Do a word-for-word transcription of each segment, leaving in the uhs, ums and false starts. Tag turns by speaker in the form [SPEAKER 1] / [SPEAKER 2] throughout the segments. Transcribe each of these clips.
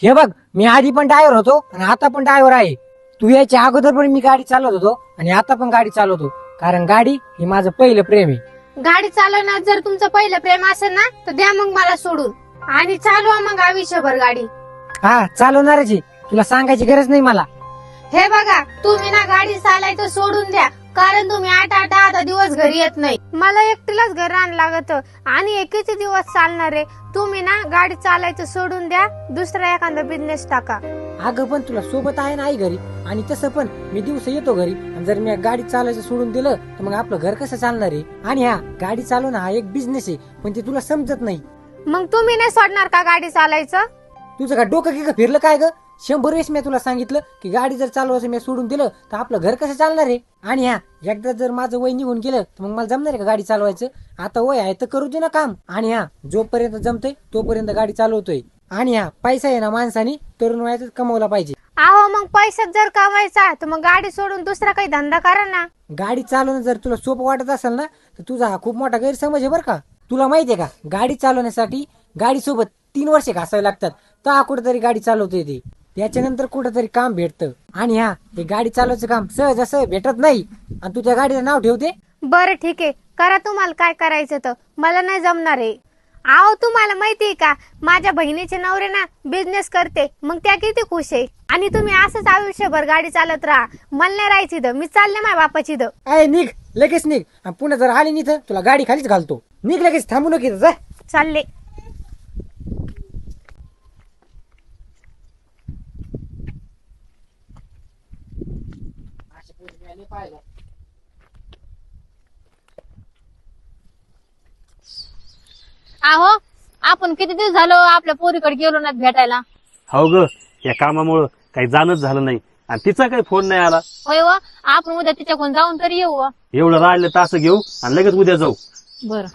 [SPEAKER 1] हे बघ, मी आधी पण ड्रायव्हर होतो आणि आता पण ड्रायव्हर आहे. तू याच्या अगोदर पण मी गाडी चालवत होतो आणि आता पण गाडी चालवतो, कारण गाडी ही माझं पहिलं प्रेम आहे.
[SPEAKER 2] गाडी चालवण्यात जर तुमचं पहिलं प्रेम असेल ना तर द्या मग मला सोडून आणि चालवा मग आयुष्यभर गाडी.
[SPEAKER 1] हा, चालवणारच आहे, तुला सांगायची गरज नाही मला.
[SPEAKER 2] हे बघा, तुम्ही ना गाडी चालायचं सोडून द्या, कारण तुम्ही आठ आठ दहा दहा दिवस घरी येत नाही. मला एकटीलाच घर आण लागत आणि हे किती दिवस चालणार आहे. तुम्ही ना गाडी चालायचं सोडून द्या, दुसरा एखादा बिझनेस टाका.
[SPEAKER 1] अगं पण तुला सोबत आहे ना आई घरी, आणि तसं पण मी दिवस येतो घरी, आणि जर मी गाडी चालायचं सोडून दिलं तर मग आपलं घर कसं चालणार आहे. आणि हा गाडी चालवणं हा एक बिझनेस आहे, पण ते तुला समजत नाही.
[SPEAKER 2] मग तुम्ही नाही सोडणार का गाडी चालायचं?
[SPEAKER 1] तुझं का डोकं की फिरलं काय ग? शंभर वेळेस मी तुला सांगितलं की गाडी जर चालवायचं मी सोडून दिलं तर आपलं घर कसं चालणार आहे. आणि हा एकदा जर माझं वय निघून गेलं तर मग मला जमणार आहे का गाडी चालवायचं? आता वय आहे तर करू दे ना काम. आणि हा जोपर्यंत जमतोय तोपर्यंत गाडी चालवतोय. आणि हा पैसा आहे ना माणसाने तरुण वयातच कमवला पाहिजे.
[SPEAKER 2] अहो, मग पैशात जर कमायचा तर मग गाडी सोडून दुसरा काही धंदा करा ना.
[SPEAKER 1] गाडी चालवणं जर तुला सोपं वाटत असेल ना तर तुझा हा खूप मोठा गैरसमज आहे बरं का. तुला माहितीये का, गाडी चालवण्यासाठी गाडी सोबत तीन वर्षे घासावे लागतात, तर कुठेतरी गाडी चालवता येते. त्याच्यानंतर कुठेतरी काम भेटतं. आणि हा हे गाडी चालवायचं काम सहज असं भेटत नाही, आणि तू त्या गाडीचं नाव ठेवते.
[SPEAKER 2] बरं ठीक आहे, करा तुम्हाला काय करायचं तर, मला नाही जमणार आहे. अहो, तुम्हाला माहितीये का, माझ्या बहिणीचे नवरे ना बिझनेस करते, मग त्या किती खुश आहे. आणि तुम्ही असंच आयुष्यभर गाडी चालत राहा, मला नाही राहायची इथं, मी चालले माझ्या बापाची इथं.
[SPEAKER 1] अय निघ, लगेच निघ. आणि पुन्हा जर आली नाही तर तुला गाडी खालीच घालतो. निघ लगेच, थांबू नको जा.
[SPEAKER 2] चालले.
[SPEAKER 3] आहो, आपण किती दिवस झालो आपल्या पोरीकडे गेलो ना भेटायला.
[SPEAKER 4] हो ग, या कामामुळं काही जाणच झालं नाही, आणि तिचा काही फोन नाही आला.
[SPEAKER 3] होय व, आपण उद्या तिच्याकडून जाऊन तरी येऊ व.
[SPEAKER 4] एवढं राहिलं तास घेऊ आणि लगेच उद्या जाऊ.
[SPEAKER 3] बर.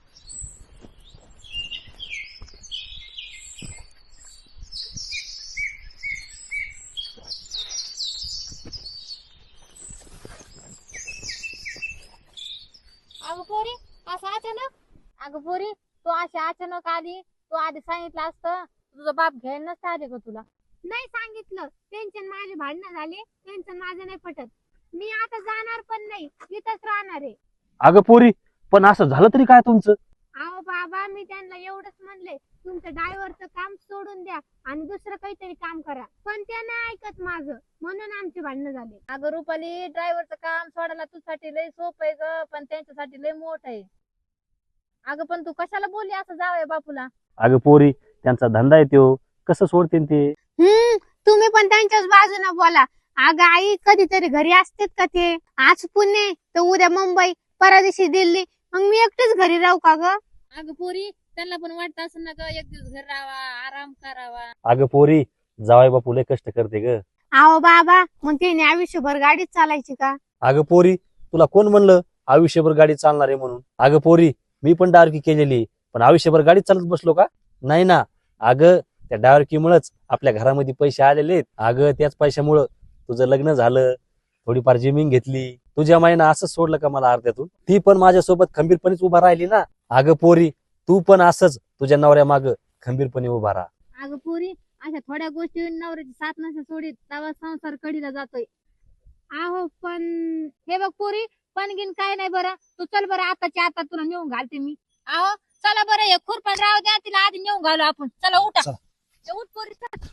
[SPEAKER 3] अगं पोरी, असं अचानक? अगं पोरी, तू अशी अचानक आली, तू आधी सांगितलं असतं, तुझा बाप घ्यायला नसतं आले का तुला?
[SPEAKER 2] नाही सांगितलं, टेन्शन माझे भांडणं झाले, टेन्शन माझं नाही पटत. मी आता जाणार पण नाही, इथंच राहणार आहे.
[SPEAKER 4] अगं पोरी, पण असं झालं तरी काय तुमचं?
[SPEAKER 2] अहो बाबा, मी त्यांना एवढंच म्हणले, तुमचं ड्रायव्हरचं काम सोडून द्या आणि दुसरं काहीतरी काम करा, पण त्या नाही ऐकत माझं, म्हणून आमचे भांडणं झाले.
[SPEAKER 3] अगं रुपाली, ड्रायव्हरचं काम सोडायला तुझ्यासाठी लय सोपं आहे ग, पण त्यांच्यासाठी लय मोठं आहे. अगं पण तू कशाला बोलली असं जावंय बापूला?
[SPEAKER 4] अगं पोरी, त्यांचा धंदा आहे त्यो, कसं सोडतील ते?
[SPEAKER 2] हम्म तुम्ही पण त्यांच्याच बाजूने बोला. अगं आई, कधीतरी घरी असतेत का ते? आज पुणे तर उद्या मुंबई, परवा दिवशी दिल्ली, मग मी एकटीच घरी राहू का ग?
[SPEAKER 3] अगं पोरी, त्यांना पण वाटत असं ना ग, एक दिवस घर राहावा, आराम करावा.
[SPEAKER 4] अगं पोरी, जावाय बापू लय कष्ट करते ग.
[SPEAKER 2] अहो बाबा, मग तिने आयुष्यभर गाडीच चालायची का?
[SPEAKER 4] अगं पोरी, तुला कोण म्हणलं आयुष्यभर गाडी चालणार आहे म्हणून? अगं पोरी, मी पण डारकी केलेली, पण आयुष्यभर गाडी चालत बसलो का? नाही ना. अगं त्या डारकीमुळेच आपल्या घरामध्ये पैसे आलेले आहेत. अगं त्याच पैशामुळं तुझं लग्न झालं, थोडीफार जमीन घेतली. तुझ्या माईनं असंच सोडलं का मला अर्ध्यातून? ती पण माझ्यासोबत खंबीरपणेच उभा राहिली ना. अगं पोरी, तू पण असंच तुझ्या नवऱ्या माग खंबीरपणे उभा राहा.
[SPEAKER 3] अगं पोरी, अशा थोड्या गोष्टी नवऱ्याची साथ नसे सोडीत, तेव्हा संसार कडीला जातोय.
[SPEAKER 2] अहो पण
[SPEAKER 3] हे बघ पोरी, पण गिन काय नाही बरं, तू चल बरं, आताच्या आता तुला नेऊन घालते मी. अहो चला बरं, हे खुरपण राहू द्या, तिला आधी नेऊन घालू आपण. चला उठा, ए, उठ पोरी चल.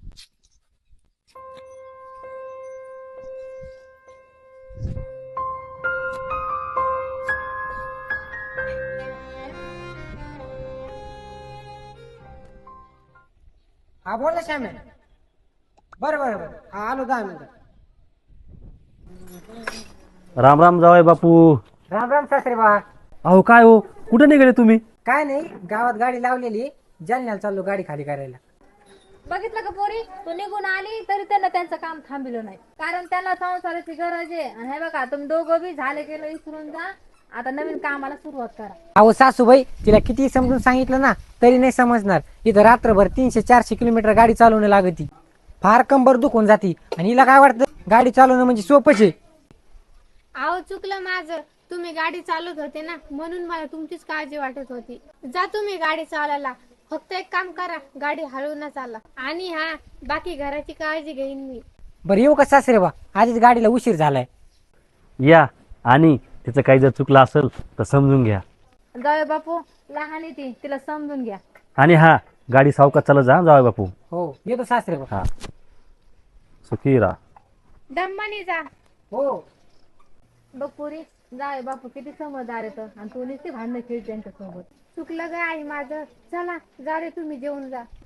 [SPEAKER 1] हा बोल ना श्याम्या. बरं बरं बरं, हा आलो दहा मिनिटं.
[SPEAKER 4] राम राम जावाय बापू.
[SPEAKER 1] राम राम सासरे बा.
[SPEAKER 4] अहो काय हो, कुठे निघाले तुम्ही?
[SPEAKER 1] काय नाही, गावात गाडी लावलेली, जालन्याला चाललो गाडी खाली करायला.
[SPEAKER 3] बघितलं का पोरी, तू निघून आली तरी त्यांना त्यांचं काम थांबिलं नाही, कारण त्यांना संसाराची गरज आहे. आणि हे बघा, तुम्ही दोघं बी झाले गेलं विसरून जा, आता नवीन कामाला सुरुवात करा.
[SPEAKER 1] अहो सासूबाई, तिला किती समजून सांगितलं ना तरी नाही समजणार. इथं रात्रभर तीनशे चारशे किलोमीटर गाडी चालवणं लागती, फार कंबर दुखून जाती, आणि हिला काय वाटतं गाडी चालवणं म्हणजे सोपंच आहे.
[SPEAKER 2] अहो चुकलं माझं, तुम्ही गाडी चालवत होते ना, म्हणून मला तुमचीच काळजी वाटत होती. जा तुम्ही गाडी चालवायला, फक्त एक काम करा, गाडी हळू न चाला. आणि हा, बाकी घराची काळजी घेईन मी.
[SPEAKER 1] बरं येऊ का सासरे बा, आधीच गाडीला उशीर झालाय.
[SPEAKER 4] या. आणि तिचं काही जर चुकलं असेल तर समजून घ्या.
[SPEAKER 3] जाऊ बापू, लहान आहे ती, तिला समजून घ्या.
[SPEAKER 4] आणि हा, गाडी सावकाश चालत जा जाऊ बापू.
[SPEAKER 1] हो येतो सासरे बा.
[SPEAKER 4] हा, सुखी राहा.
[SPEAKER 2] दम्मानी जा.
[SPEAKER 1] हो.
[SPEAKER 3] बघ पोरी, जाऊ बापू किती समजदार येतं आणि तू नुसती भांडणं खेळ त्यांच्यासोबत.
[SPEAKER 2] चुकलं ग आई माझं. चला जा रे, तुम्ही जेवून जा.